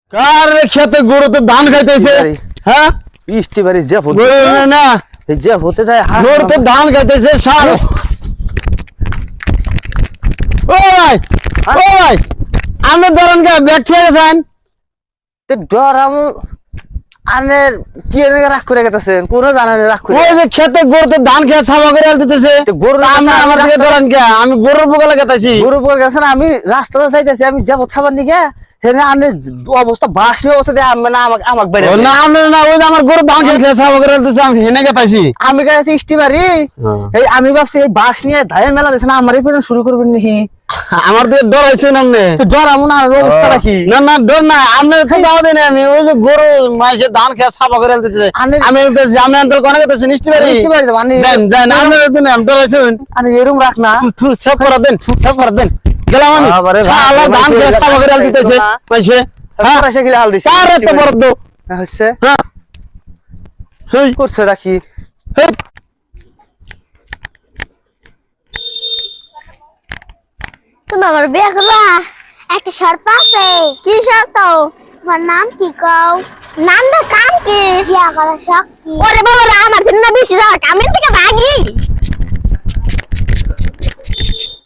কার খেতে গরুতে ধান খাইতেছে হ্যাঁ বৃষ্টি বাড়ি যে হতে গরু না এই যে হতে যায় গরুতে ধান খাইতেছে সার ও ভাই আপনি ধরেন কে ব্যাগ ছেড়ে গেছেন তে ডর আমি আনের কি এনে রাখ করে গেছেন কোন জানেন রাখ করে ওই যে খেতে গরুতে ধান খেয়ে ছাবা করে দিতেছে গরু আমি আমার দিকে ধরেন কে আমি গরুর পোকা লাগাইতেছি গরু পর গেছেন আমি রাস্তাতে যাইতেছি আমি যাব খাবার নিকে হেনে আনে অবস্থা বাস নিয়ে অবস্থা দিয়ে আমি না আমাকে বেরে না আমি না ওই যে আমার গরু ধান খেয়ে ছাবা করে দিতেছে আমি হেনে গেতাছি আমি গেছি স্টিমারি এই আমি ভাবছি এই বাস নিয়ে ধায় মেলা দিছে না আমারই পেরন শুরু করবেন নি আমার দিকে ডর হইছে না আপনি তো ডর আমু না অবস্থা রাখি না না ডর না আপনার তো দাও দেন আমি ওই যে গরু মাসে ধান খেয়ে ছাবা করে দিতেছে আমি বলতেছি আমি অন্তর কোনে গেতেছি নিশ্চয়ই স্টিমারি মানে দেন দেন আপনার তো আমি ডর হইছে আমি এরম রাখ না সেভ করে দেন গেলাম আমি বাবারে শালা ধান খেয়ে ছাবা করে দিতেছে মাসে হ্যাঁ পয়সা গিলা হাল দিছে কার এত বড় দো হচ্ছে হ্যাঁ হেই করছে রাখি হেই তুমি আমার বিয়ে করবা একটা শর্ত আছে কি শর্ত তোমার নাম কি কও নাম না কাম কি বিয়ে করার শখ কি ওরে বাবা আমার জন্য বেশি শখ আমি থেকে ভাগি